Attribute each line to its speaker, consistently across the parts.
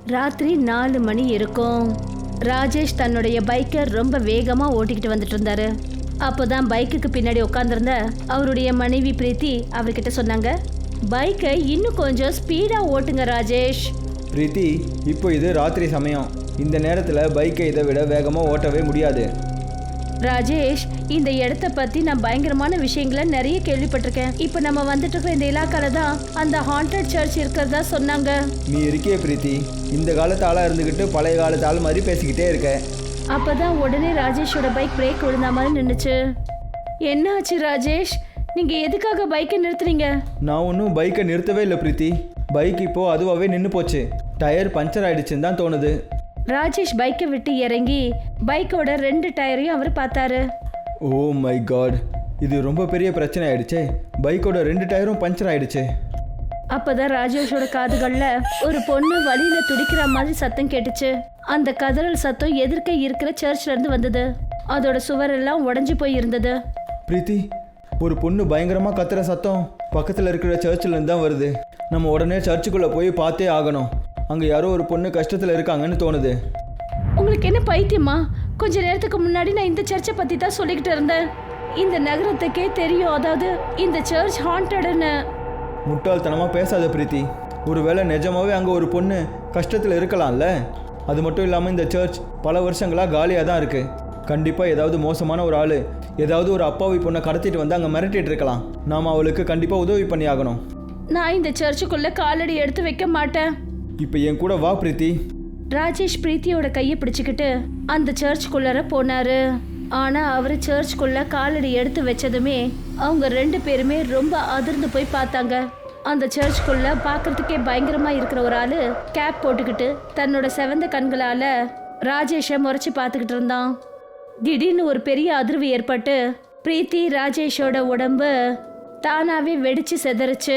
Speaker 1: ராத்திரி 4 மணி இருக்கும். ராஜேஷ் தன்னுடைய பைக்கை ரொம்ப வேகமா ஓட்டிக்கிட்டு வந்துட்டு இருந்தாரு. அப்போதான் பைக்குக்கு பின்னாடி உட்காந்துருந்த அவருடைய மனைவி பிரீத்தி அவர்கிட்ட சொன்னாங்க, பைக்கை இன்னும் கொஞ்சம் ஸ்பீடா ஓட்டுங்க ராஜேஷ்.
Speaker 2: பிரீத்தி, இப்போ இது ராத்திரி சமயம். இந்த நேரத்தில் பைக்கை இதை விட வேகமாக ஓட்டவே முடியாது.
Speaker 1: ராஜேஷ், இந்த இடத்த பத்தி நான் பயங்கரமான விஷயங்களை நிறைய கேள்விப்பட்டிருக்கேன். இப்போ நம்ம வந்துட்டு இருக்கிற இந்த இலாக்கால தான் அந்த ஹாண்டட் சர்ச் இருக்கிறதா சொன்னாங்க.
Speaker 2: நீ இருக்கே பிரீத்தி, இந்த காலத்து ஆளாக இருந்துக்கிட்டு பழைய காலத்து ஆள் மாதிரி பேசிக்கிட்டே இருக்க.
Speaker 1: அப்பதான் உடனே ராஜேஷோட பைக் பிரேக் விழுந்த மாதிரி நின்றுச்சு. என்ன ஆச்சு ராஜேஷ்? நீங்க எதுக்காக பைக்கை நிறுத்துறீங்க?
Speaker 2: நான் ஒன்றும் பைக்கை நிறுத்தவே இல்லை பிரீத்தி. பைக் இப்போ அதுவாகவே நின்று போச்சு. டயர் பஞ்சர் ஆயிடுச்சுன்னு தான் தோணுது.
Speaker 1: ராஜேஷ் பைக்கை விட்டு இறங்கி பைக்கோட 2 டயரையும் அவர் பார்த்தாரு.
Speaker 2: ஓ மை காட், இது ரொம்ப பெரிய பிரச்சனை ஆயிடுச்சே. பைக்கோட 2 டயரும் பஞ்சர் ஆயிடுச்சு.
Speaker 1: அப்பதான் ராஜேஷோட காதுகள்ல ஒரு பொண்ணு வழியில துடிக்கிற மாதிரி சத்தம் கேட்டுச்சு. அந்த கதறல் சத்தம் எதிர்க்க இருக்கிற சர்ச்ல இருந்து வந்தது. அதோட சுவரெல்லாம் உடைஞ்சு போய் இருந்தது.
Speaker 2: பிரீத்தி, ஒரு பொண்ணு பயங்கரமாக கத்துற சத்தம் பக்கத்தில் இருக்கிற சர்ச்சில் இருந்து தான் வருது. நம்ம உடனே சர்ச்சுக்குள்ளே போய் பார்த்தே ஆகணும். அங்கே யாரோ ஒரு பொண்ணு கஷ்டத்தில் இருக்காங்கன்னு தோணுது.
Speaker 1: உங்களுக்கு என்ன பைத்தியமா? கொஞ்ச நேரத்துக்கு முன்னாடி நான் இந்த சர்ச்சை பத்தி தான் சொல்லிக்கிட்டு இருந்தேன். இந்த நகரத்துக்கே தெரியும், அதாவது இந்த சர்ச் ஹாண்டட்னு.
Speaker 2: முட்டாள்தனமாக பேசாத பிரீத்தி. ஒருவேளை நிஜமாவே அங்கே ஒரு பொண்ணு கஷ்டத்தில் இருக்கலாம்ல. அது மட்டும் இல்லாமல் இந்த சர்ச் பல வருஷங்களாக காலியாக தான் இருக்குது. கண்டிப்பாக ஏதாவது மோசமான ஒரு ஆள் ஏதாவது ஒரு அப்பாவி பொண்ணை கடத்திட்டு வந்து அங்கே மிரட்டிட்டு இருக்கலாம். நாம் அவளுக்கு கண்டிப்பாக உதவி பண்ணி ஆகணும்.
Speaker 1: நான் இந்த சர்ச்சுக்குள்ள காலடி எடுத்து வைக்க மாட்டேன்.
Speaker 2: இப்போ என் கூட வா பிரீத்தி.
Speaker 1: ராஜேஷ் பிரீத்தியோட கையை பிடிச்சுக்கிட்டு அந்த சர்ச்சுக்குள்ளார போனாரு. ஆனா அவரு சர்ச்சுக்குள்ள காலடி எடுத்து வச்சதுமே அவங்க 2 பேருமே ரொம்ப அதிர்ந்து போய் பார்த்தாங்க. அந்த சர்ச்சுக்குள்ள பார்க்கறதுக்கே பயங்கரமா இருக்கிற ஒரு ஆளு கேப் போட்டுக்கிட்டு தன்னோட செவந்த கண்களால ராஜேஷை முறைச்சு பார்த்துக்கிட்டு இருந்தான். திடீர்னு ஒரு பெரிய அதிர்வு ஏற்பட்டு பிரீத்தி ராஜேஷோட உடம்பு தானாவே வெடிச்சு செதறிச்சு.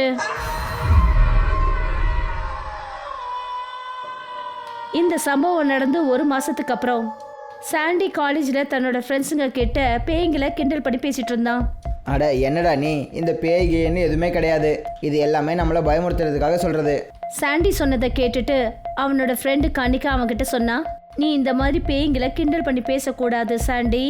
Speaker 1: இந்த சம்பவம் நடந்து 1 மாசத்துக்கு அப்புறம் சாண்டி காலேஜில் தன்னோட ஃப்ரெண்ட்ஸுங்க கிட்ட பேய்களை கிண்டல் பண்ணி பேசிட்டு இருந்தான்.
Speaker 3: அட என்னடா நீ, இந்த பேய்கேன்னு எதுவுமே கிடையாது. இது எல்லாமே நம்மளை பயமுறுத்துறதுக்காக சொல்கிறது.
Speaker 1: சாண்டி சொன்னதை கேட்டுட்டு அவனோட ஃப்ரெண்டு கனிகா அவன்கிட்ட சொன்னா, நீ இந்த மாதிரி பேய்களை கிண்டல் பண்ணி பேசக்கூடாது சாண்டி.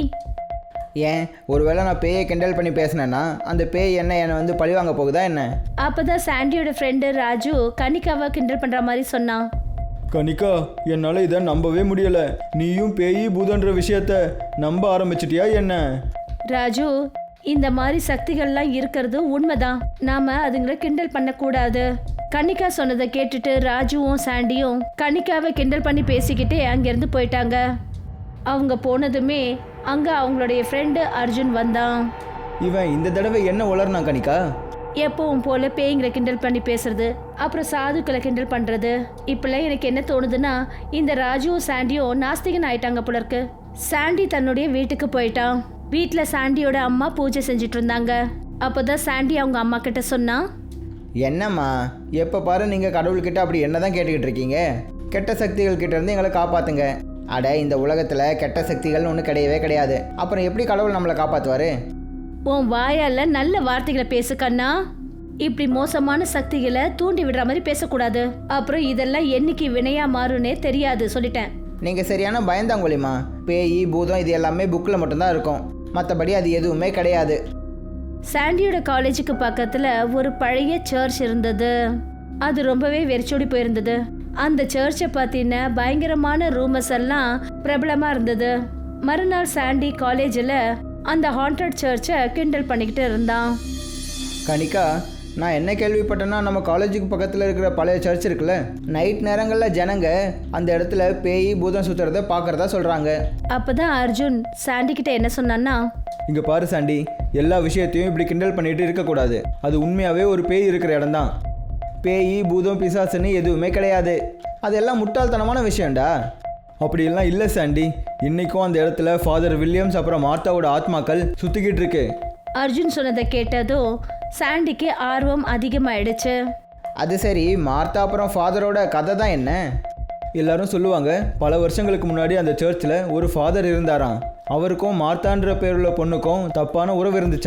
Speaker 3: ஏன், ஒருவேளை நான் பேயை கிண்டல் பண்ணி பேசினேன்னா அந்த பேய் என்னை வந்து பழிவாங்க போகுதா என்ன?
Speaker 1: அப்போதான் சாண்டியோட ஃப்ரெண்டு ராஜு கனிகாவை கிண்டல் பண்ணுற மாதிரி சொன்னான்.
Speaker 2: கனிகா, என்னால் இதை நம்பவே முடியலை. நீயும் பேய் பூதன்ற விஷயத்த நம்ப ஆரம்பிச்சிட்டியா என்ன?
Speaker 1: ராஜு, இந்த மாதிரி சக்திகள்லாம் இருக்கிறது உண்மைதான். நாம அதுங்களை கிண்டல் பண்ணக்கூடாது. கனிகா சொன்னதை கேட்டுட்டு ராஜுவும் சாண்டியும் கனிகாவை கிண்டல் பண்ணி பேசிக்கிட்டே அங்கேருந்து போயிட்டாங்க. அவங்க போனதுமே அங்கே அவங்களுடைய ஃப்ரெண்டு அர்ஜுன் வந்தான்.
Speaker 2: இவன் இந்த தடவை என்ன உளர்னா கனிகா?
Speaker 1: எப்பவும் போல பேய்களை கிண்டல் பண்ணி பேசுறது, அப்புறம் சாதுக்களை கிண்டல் பண்றது. இப்பெல்லாம் எனக்கு என்ன தோணுதுன்னா, இந்த ராஜுவும் சாண்டியும் நாஸ்திகன் ஆயிட்டாங்க போல இருக்கு. சாண்டி தன்னுடைய வீட்டுக்கு போயிட்டான். வீட்டில் சாண்டியோட அம்மா பூஜை செஞ்சுட்டு இருந்தாங்க. அப்போதான் சாண்டி அவங்க அம்மா கிட்ட சொன்னா,
Speaker 3: என்னம்மா எப்போ பாரு நீங்கள் கடவுள்கிட்ட அப்படி என்ன தான் கேட்டுக்கிட்டு இருக்கீங்க? கெட்ட சக்திகள் கிட்ட இருந்து எங்களை காப்பாற்றுங்க. அட, இந்த உலகத்தில் கெட்ட சக்திகள்னு ஒன்று கிடையவே கிடையாது. அப்புறம் எப்படி கடவுள் நம்மளை காப்பாற்றுவார்?
Speaker 1: உன் வாயால நல்ல வார்த்தைகளை பேசு கண்ணா. இப்படி மோசமான சக்திகளை தூண்டி விடுற மாதிரி பேசக்கூடாது. அப்புறம் இதெல்லாம் என்னைக்கு வினையா மாறும்னே தெரியாது, சொல்லிட்டேன்.
Speaker 3: நீங்கள் சரியான பயந்தாங்கொழிமா. பேய் பூதம் இது எல்லாமே புக்கில் மட்டும்தான் இருக்கும். மற்றபடி அது எதுவுமே கிடையாது.
Speaker 1: சாண்டியோட காலேஜுக்கு பக்கத்துல ஒரு பழைய சர்ச் இருந்தது. அது ரொம்பவே வெறிச்சோடி போயிருந்தது. அந்த சர்ச்சை பத்தின பயங்கரமான ரூமர்ஸ் எல்லாம் பிரபலமா இருந்தது. மறுநாள் சாண்டி காலேஜில் அந்த ஹாண்டட் சர்ச்சை கிண்டல் பண்ணிக்கிட்டு இருந்தான்.
Speaker 3: கனிகா, நான் என்ன கேள்விப்பட்டேன்னா, நம்ம காலேஜுக்கு பக்கத்தில் இருக்கிற பழைய சர்ச் இருக்குல்ல, நைட் நேரங்களில் ஜனங்க அந்த இடத்துல பேய் பூதம் சுற்றுறத பார்க்குறதா சொல்கிறாங்க.
Speaker 1: அப்போதான் அர்ஜுன் சாண்டி கிட்ட என்ன சொன்னான்னா,
Speaker 2: இங்கே பாரு சாண்டி, எல்லா விஷயத்தையும் இப்படி கிண்டல் பண்ணிட்டு இருக்கக்கூடாது. அது உண்மையாகவே ஒரு பேய் இருக்கிற இடம்தான்.
Speaker 3: பேய் பூதம் பிசாசுன்னு எதுவுமே கிடையாது. அதெல்லாம் முட்டாள்தனமான விஷயம்டா.
Speaker 2: அப்படியெல்லாம் இல்லை சாண்டி. இன்றைக்கும் அந்த இடத்துல ஃபாதர் வில்லியம்ஸ் அப்புறம் மார்த்தாவோட ஆத்மாக்கள் சுற்றிக்கிட்டு இருக்கு.
Speaker 1: அர்ஜுன் சொன்னதை கேட்டதும் சாண்டிக்கு ஆர்வம் அதிகமாயிடுச்சு.
Speaker 3: அது சரி, மார்த்தா அப்புறம் ஃபாதரோட கதை தான் என்ன?
Speaker 2: எல்லாரும் சொல்லுவாங்க, பல வருஷங்களுக்கு முன்னாடி அந்த சர்ச்சில் ஒரு ஃபாதர் இருந்தாராம். அவருக்கும் மார்த்தான்ற பேருள்ள பொண்ணுக்கும் தப்பான உறவு இருந்துச்சான்.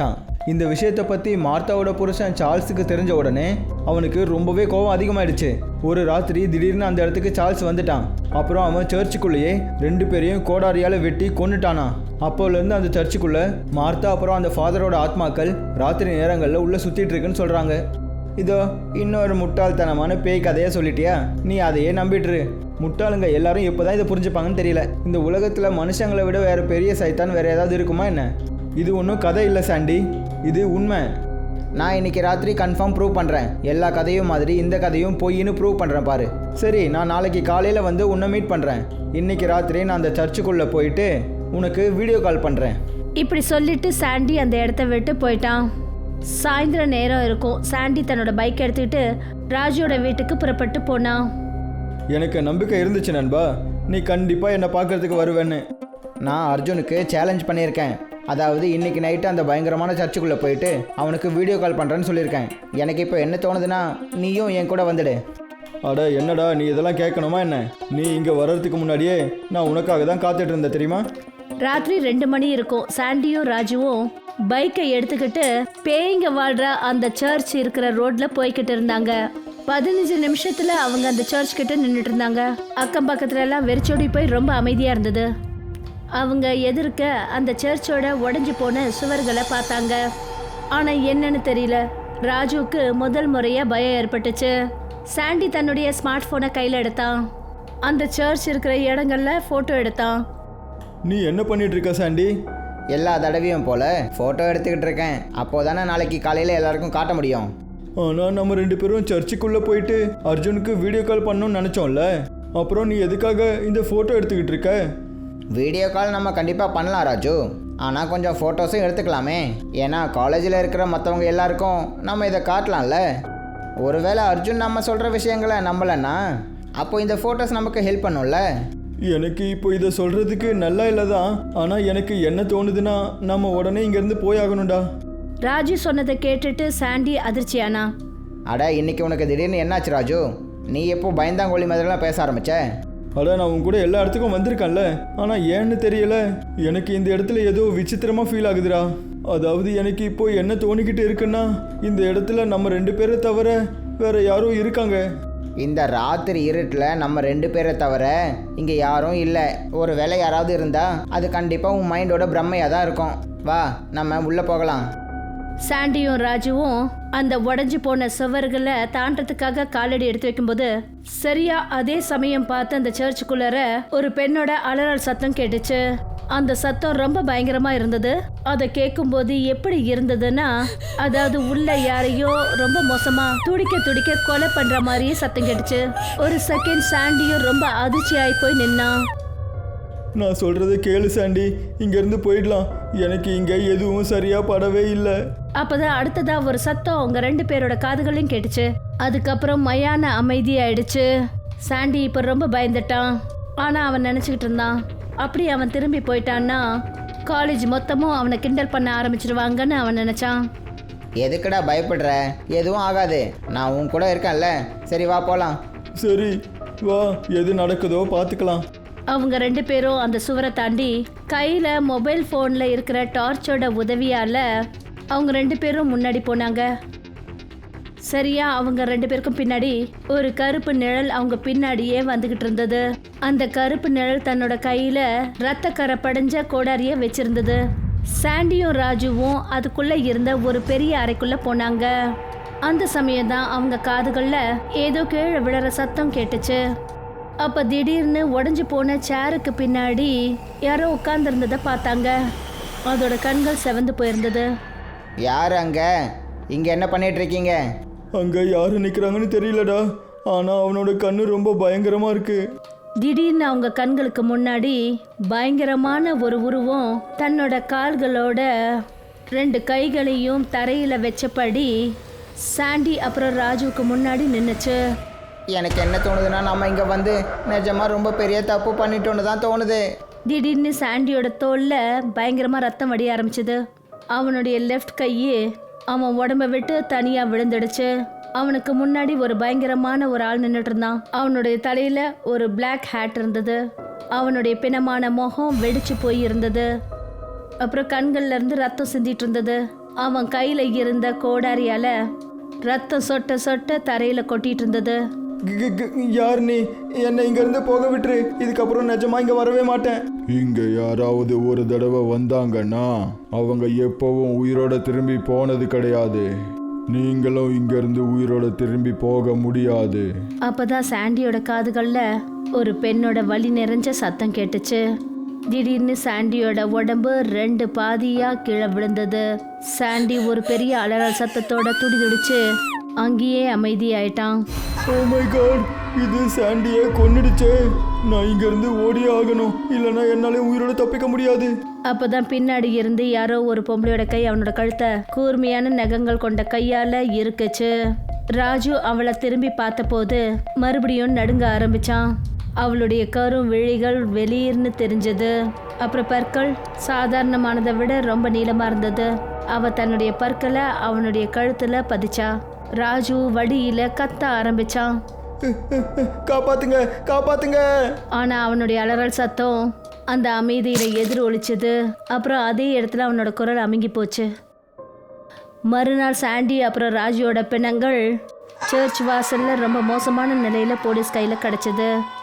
Speaker 2: இந்த விஷயத்தை பற்றி மார்த்தாவோட புருஷன் சார்ல்ஸுக்கு தெரிஞ்ச உடனே அவனுக்கு ரொம்பவே கோபம் அதிகமாயிடுச்சு. ஒரு ராத்திரி திடீர்னு அந்த இடத்துக்கு சார்ல்ஸ் வந்துட்டான். அப்புறம் அவன் சர்ச்சுக்குள்ளேயே 2 பேரையும் கோடாரியால் வெட்டி கொன்னுட்டானா. அப்போலேருந்து அந்த சர்ச்சுக்குள்ளே மார்த்தா அப்புறம் அந்த ஃபாதரோட ஆத்மாக்கள் ராத்திரி நேரங்களில் உள்ளே சுற்றிட்டு இருக்குன்னு சொல்கிறாங்க. இதோ இன்னொரு முட்டாள்தனமான பேய் கதையை சொல்லிட்டியா? நீ அதையே நம்பிட்டுரு. முட்டாளுங்க எல்லாரும் இப்போ தான் இதை புரிஞ்சுப்பாங்கன்னு தெரியல. இந்த உலகத்தில் மனுஷங்களை விட வேறு பெரிய சைத்தான் வேறு ஏதாவது இருக்குமா என்ன? இது ஒன்றும் கதை இல்லை சாண்டி, இது உண்மை.
Speaker 3: நான் இன்னைக்கு ராத்திரி கன்ஃபார்ம் ப்ரூவ் பண்ணுறேன். எல்லா கதையும் மாதிரி இந்த கதையும் பொய்ன்னு ப்ரூவ் பண்ணுறேன் பாரு.
Speaker 2: சரி, நான் நாளைக்கு காலையில் வந்து உன்னை மீட் பண்ணுறேன். இன்னைக்கு ராத்திரி நான் அந்த சர்ச்சுக்குள்ளே போயிட்டு உனக்கு வீடியோ கால் பண்ணுறேன்.
Speaker 1: இப்படி சொல்லிட்டு சாண்டி அந்த இடத்த விட்டு போயிட்டான். சாயந்தர நேரம் இருக்கும். சாண்டி தன்னோட பைக் எடுத்துக்கிட்டு ராஜுவோட வீட்டுக்கு புறப்பட்டு போனான்.
Speaker 2: எனக்கு நம்பிக்கை இருந்துச்சு நண்பா, நீ கண்டிப்பாக என்னை பார்க்கறதுக்கு வருவேன்னு.
Speaker 3: நான் அர்ஜுனுக்கு சேலஞ்ச் பண்ணியிருக்கேன். அதாவது இன்னைக்கு நைட்டு அந்த பயங்கரமான சர்ச்சுக்குள்ளே போயிட்டு அவனுக்கு வீடியோ கால் பண்ணுறேன்னு சொல்லியிருக்கேன். எனக்கு இப்போ என்ன தோணுதுன்னா நீயும் என் கூட வந்துடு.
Speaker 2: அட என்னடா நீ இதெல்லாம் கேட்கணுமா என்ன? நீ இங்கே வர்றதுக்கு முன்னாடியே நான் உனக்காக தான் காத்துட்டு இருந்தேன் தெரியுமா?
Speaker 1: ராத்திரி 2 மணி இருக்கும். சாண்டியும் ராஜுவும் பைக்கை எடுத்துக்கிட்டு பேய்ங்க வாழ்ற அந்த சர்ச் இருக்கிற ரோட்ல போய்கிட்டு இருந்தாங்க. 15 நிமிஷத்துல அவங்க அந்த சர்ச் கிட்ட நின்றுட்டு இருந்தாங்க. அக்கம் பக்கத்துல எல்லாம் வெறிச்சோடி போய் ரொம்ப அமைதியா இருந்தது. அவங்க எதிர்க்க அந்த சர்ச்சோட உடைஞ்சு போன சுவர்களை பார்த்தாங்க. ஆனா என்னன்னு தெரியல, ராஜுவுக்கு முதல் முறையா பயம் ஏற்பட்டுச்சு. சாண்டி தன்னுடைய ஸ்மார்ட் போனை கையில எடுத்தான். அந்த சர்ச் இருக்கிற இடங்கள்ல போட்டோ எடுத்தான்.
Speaker 2: நீ என்ன பண்ணிட்டு இருக்க சாண்டி?
Speaker 3: எல்லா தடவையும் போல் ஃபோட்டோ எடுத்துக்கிட்டு இருக்கேன். அப்போ தானே நாளைக்கு காலையில் எல்லாருக்கும் காட்ட முடியும்.
Speaker 2: ஆனால் நம்ம 2 பேரும் சர்ச்சுக்குள்ளே போயிட்டு அர்ஜுனுக்கு வீடியோ கால் பண்ணணும்னு நினச்சோம்ல. அப்புறம் நீ எதுக்காக இந்த ஃபோட்டோ எடுத்துக்கிட்டு இருக்க?
Speaker 3: வீடியோ கால் நம்ம கண்டிப்பாக பண்ணலாம் ராஜு. ஆனால் கொஞ்சம் ஃபோட்டோஸும் எடுத்துக்கலாமே. ஏன்னா காலேஜில் இருக்கிற மற்றவங்க எல்லாருக்கும் நம்ம இதை காட்டலாம்ல. ஒருவேளை அர்ஜுன் நம்ம சொல்கிற விஷயங்களை நம்பலைன்னா அப்போ இந்த ஃபோட்டோஸ் நமக்கு ஹெல்ப் பண்ணும்ல.
Speaker 2: எனக்கு இப்போ இதை சொல்கிறதுக்கு நல்லா இல்லை தான். ஆனால் எனக்கு என்ன தோணுதுன்னா நம்ம உடனே இங்கேருந்து போயாகணும்டா.
Speaker 1: ராஜு சொன்னதை கேட்டுட்டு சாண்டி அதிர்ச்சியானா.
Speaker 3: அட இன்னைக்கு உனக்கு திடீர்னு என்னாச்சு ராஜு? நீ எப்போ பயந்தாங்கோழி மாதிரிலாம் பேச ஆரம்பிச்ச?
Speaker 2: அட நான் உன் கூட எல்லா இடத்துக்கும் வந்திருக்கேன்ல, ஆனால் ஏன்னு தெரியல, எனக்கு இந்த இடத்துல ஏதோ விசித்திரமாக ஃபீல் ஆகுதுடா. அதாவது எனக்கு இப்போ என்ன தோணிக்கிட்டு இருக்குன்னா, இந்த இடத்துல நம்ம 2 பேரை தவிர வேற யாரும் இருக்காங்க.
Speaker 3: இந்த ராத்திரி இருட்டில் நம்ம 2 பேரை தவிர இங்கே யாரும் இல்லை. ஒரு வேளை யாராவது இருந்தால் அது கண்டிப்பாக உன் மைண்டோட பிரம்மையாக தான் இருக்கும். வா நம்ம உள்ளே போகலாம்.
Speaker 1: சாண்டியும் ராஜுவும் அந்த உடைஞ்சு போன சுவர்களை தாண்டறதுக்காக காலடி எடுத்து வைக்கும்போது சரியா அதே சமயம் பார்த்து அந்த சர்ச்சுக்குள்ளார ஒரு பெண்ணோட அலறல் சத்தம் கேட்டுச்சு. அந்த சத்தம் ரொம்ப பயங்கரமா இருந்தது. அதை கேட்கும்போது எப்படி இருந்ததுன்னா, அதாவது உள்ள யாரையோ ரொம்ப மோசமா துடிக்க துடிக்க கொலை பண்ற மாதிரியே சத்தம் கேட்டுச்சு. ஒரு செகண்ட் சாண்டியும் ரொம்ப அதிர்ச்சியாகி போய் நின்னான்.
Speaker 2: நான் சொல்கிறத கேளு சாண்டி, இங்கேருந்து போயிடலாம். எனக்கு இங்கே எதுவும் சரியாக படவே இல்லை.
Speaker 1: அப்பதான் அடுத்ததா ஒரு சத்தம் அவங்க 2 பேரோட காதுகளையும் கேட்டுச்சு. அதுக்கப்புறம் மயான அமைதி ஆயிடுச்சு. சாண்டி இப்ப ரொம்ப பயந்துட்டான். ஆனா அவன் நினைச்சுக்கிட்டு இருந்தான், அப்படி அவன் திரும்பி போயிட்டான்னா காலேஜ் மொத்தமும் அவனை கிண்டல் பண்ண ஆரம்பிச்சிருவாங்கன்னு அவன் நினைச்சான்.
Speaker 3: எதுக்குடா பயப்படுற? எதுவும் ஆகாது, நான் உன் கூட இருக்கேன்ல. சரி வா போகலாம்.
Speaker 2: சரி வா, எது நடக்குதோ பார்த்துக்கலாம்.
Speaker 1: அவங்க 2 பேரும் அந்த சுவரை தாண்டி கையில மொபைல் போன்ல இருக்கிற டார்ச்சோட உதவியால அவங்க 2 பேரும் முன்னாடி போனாங்க. சரியா அவங்க 2 பேருக்கும் பின்னாடி ஒரு கருப்பு நிழல் அவங்க பின்னாடியே வந்துகிட்டு இருந்தது. அந்த கருப்பு நிழல் தன்னோட கையில ரத்த கரை படிஞ்ச கோடாரிய வச்சிருந்தது. சாண்டியும் ராஜுவும் அதுக்குள்ள இருந்த ஒரு பெரிய அறைக்குள்ள போனாங்க. அந்த சமயம் தான் அவங்க காதுகள்ல ஏதோ கீழே விழற சத்தம் கேட்டுச்சு. அப்ப திடீர்னு உடைஞ்சு போன சேருக்கு பின்னாடி யாரோ உட்கார்ந்துருந்ததை பார்த்தாங்க. அதோட கண்கள் செவந்து போயிருந்தது.
Speaker 3: யார் அங்கே? இங்கே என்ன பண்ணிட்டு இருக்கீங்க?
Speaker 2: அங்கே யார் நிற்கிறாங்கன்னு தெரியலடா, ஆனால் அவனோட கண்ணு ரொம்ப பயங்கரமாக இருக்கு.
Speaker 1: திடீர்னு அவங்க கண்களுக்கு முன்னாடி பயங்கரமான ஒரு உருவம் தன்னோட கால்களோட 2 கைகளையும் தரையில வச்சபடி சாண்டி அப்புறம் ராஜுவுக்கு முன்னாடி நின்னுச்சு.
Speaker 3: எனக்கு என்ன தோணுதுன்னா நம்ம இங்கே வந்து நிஜமாக ரொம்ப பெரிய தப்பு பண்ணிட்டோன்னு தான் தோணுது.
Speaker 1: திடீர்னு சாண்டியோட தோல்ல பயங்கரமா ரத்தம் வடிய ஆரம்பிச்சது. அவனுடைய லெஃப்ட் கையே அவன் உடம்ப விட்டு தனியா விழுந்துடுச்சு. அவனுக்கு முன்னாடி ஒரு பயங்கரமான ஒரு ஆள் நின்றுட்டு இருந்தான். அவனுடைய தலையில ஒரு பிளாக் ஹேட் இருந்தது. அவனுடைய பிணமான முகம் வெடிச்சு போய் இருந்தது. அப்புறம் கண்கள்ல இருந்து ரத்தம் சிந்திட்டு இருந்தது. அவன் கையில இருந்த கோடாரியால ரத்தம் சொட்ட சொட்ட தரையில கொட்டிட்டு இருந்தது.
Speaker 2: யார் நீ? என்னை இங்கேருந்து போக விட்டுரு. இதுக்கப்புறம் நிஜமா இங்கே வரவே மாட்டேன்.
Speaker 4: இங்க யாராவது ஒரு தடவை வந்தாங்கன்னா அவங்க எப்பவும் உயிரோட திரும்பி போனது கிடையாது. நீங்களும் இங்கிருந்து உயிரோட திரும்பி போக முடியாது.
Speaker 1: அப்பதான் சாண்டியோட காதுகள்ல ஒரு பெண்ணோட வலி நிறைஞ்ச சத்தம் கேட்டுச்சு. திடீர்னு சாண்டியோட உடம்பு 2 பாதியா கீழே விழுந்தது. சாண்டி ஒரு பெரிய அலறல் சத்தத்தோட துடிதுடிச்சு அங்கேயே அமைதியாயிட்டான்.
Speaker 2: ஓ மை காட், இது சாண்டியை கொன்னுடுச்சே. நான் இங்கேருந்து ஓடியே ஆகணும், இல்லைன்னா என்னாலே உயிரோட தப்பிக்க முடியாது.
Speaker 1: அப்பதான் பின்னாடி இருந்து யாரோ ஒரு பொம்பளையோட கை அவனோட கழுத்தை கூர்மையான நகங்கள் கொண்ட கையால இருக்குச்சு. ராஜு அவளை திரும்பி பார்த்தபோது மறுபடியும் நடுங்க ஆரம்பிச்சான். அவளுடைய கரும் விழிகள் வெளியிருந்து தெரிஞ்சது. அப்புறம் பற்கள் சாதாரணமானதை விட ரொம்ப நீளமா இருந்தது. அவ தன்னுடைய பற்களை அவனுடைய கழுத்துல பதிச்சா. ராஜு வடியில கத்த ஆரம்பிச்சான்.
Speaker 2: காப்பாத்துங்க, காப்பாத்துங்க.
Speaker 1: ஆனா அவனுடைய அலறல் சத்தம் அந்த அமைதியில எதிர் ஒலிச்சது. அப்புறம் அதே இடத்துல அவனோட குரல் அமுங்கி போச்சு. மறுநாள் சாண்டி அப்புறம் ராஜுவோட பிணங்கள் சர்ச் வாசல்ல ரொம்ப மோசமான நிலையில போலீஸ் கையில கிடைச்சது.